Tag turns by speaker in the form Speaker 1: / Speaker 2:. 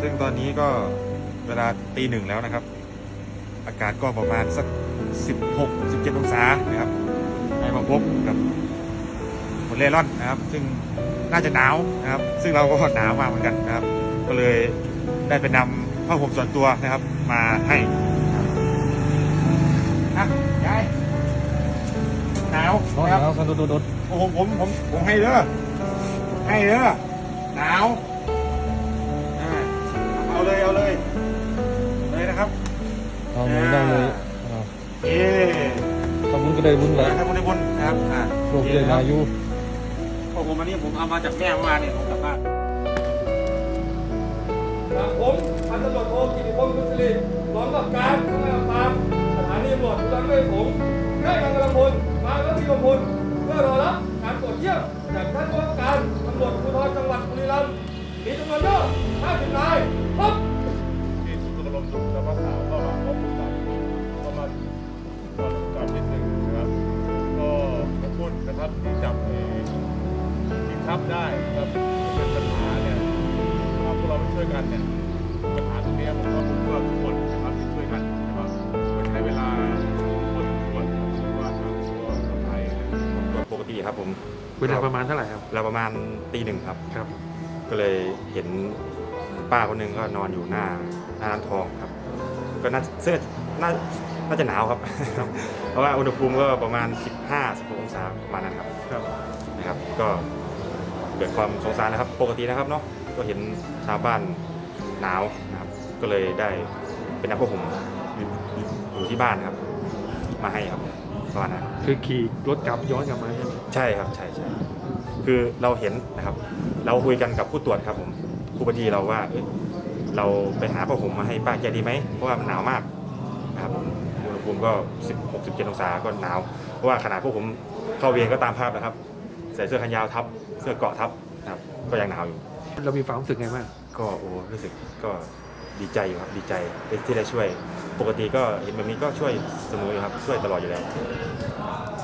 Speaker 1: ซึ่งตอนนี้ก็เวลาตี 1แล้วนะครับอากาศก็ประมาณสัก16-17 องศานะครับให้มาพบกับคนเร่ร่อนนะครับซึ่งน่าจะหนาวนะครับซึ่งเราก็หนาวมากเหมือนกันนะครับก็เลยได้ไปนำผ้าห่มส่วนตัวนะครับมาให้นะยายหนาว
Speaker 2: ร้อน
Speaker 1: นะครับ
Speaker 2: แล้วกันโดด
Speaker 1: โอ้โหผมให้เด้อหนาวเอาเลยนะครับ
Speaker 2: เอาเลยได้เลย
Speaker 1: เอ๊ะ
Speaker 2: ทำบุญก็ได้บุญแหละ
Speaker 1: ทำบุญได้บุญนะครับ
Speaker 2: โรคเยอายุ
Speaker 1: พอผมอันนี้ผมเอามาจากแม่เมื่อวานเนี่ยผมกลับบ้าน
Speaker 3: ผมพันตำรวจโทกิติพงศ์คุณสิริรองกับการกำกับการสถานีตำรวจภูธรห้วยขมได้นำกำลังพลมาและมีกำลังพลเพื่อรอรับการตรวจเยี่ยมจากท่านผู้ว่าการตำรวจภูธรจังหวัดบุรีรัมย์มีจำนวนเยอะ50 นายครบ
Speaker 4: ที่สุดกระลมสุขภาพสาวก็มาพบกับก็มาก่อนนิดหนึ่งนะครับก็ขอบคุณนะครับที่จับที่ทับได้ครับเป็นปัญหาเนี่ยถ้าพวกเราไม่ช่วยกันเนี่ยปัญหาตรงนี้ผมว่าทุกคนนะครับที่ช่วยกันนะครับมันใช้เวลาคนควรว่าทางตัวคนไทยเนี่ย
Speaker 1: ปกติครับผม
Speaker 2: เวลาประมาณเท่าไหร่ครับ
Speaker 1: เราประมาณตี 1ครับ
Speaker 2: ครับ
Speaker 1: ก็เลยเห็นป้าคนหนึ่งก็นอนอยู่หน้าร้านทองครับก็น่าจะหนาวครับ เพราะว่าอุณหภูมิก็ประมาณ15-16 องศาประมาณนั้นครับ
Speaker 2: ครับ
Speaker 1: นะครับก็เกิดความสงสารนะครับปกตินะครับเนาะก็เห็นชาวบ้านหนาวนะครับก็เลยได้เป็นน้ำผ้าห่มอยู่ที่บ้านครับมาให้ครับประมาณนั้นครับ
Speaker 2: คือขี่รถกลับย้อนกลับมาใช่ไหม
Speaker 1: ใช่ครับใช่คือเราเห็นนะครับเราคุยกันกับผู้ตรวจครับผมผู้บัญชีเราว่าเราไปหาผ้าห่มมาให้ป้าแกดีไหมเพราะว่ามันหนาวมากนะครับอุณหภูมิก็16-17 องศาก็หนาวเพราะว่าขนาดพวกผมเข้าเวรก็ตามภาพนะครับใส่เสื้อแขนยาวทับเสื้อเกราะทับนะครับก็ยังหนาวอยู่
Speaker 2: เรามีความรู้สึกไงบ้าง
Speaker 1: ก็รู้สึกก็ดีใจอยู่ครับดีใจที่ได้ช่วยปกติก็เห็นแบบนี้ก็ช่วยเสมออยู่ครับช่วยตลอดอยู่แล้ว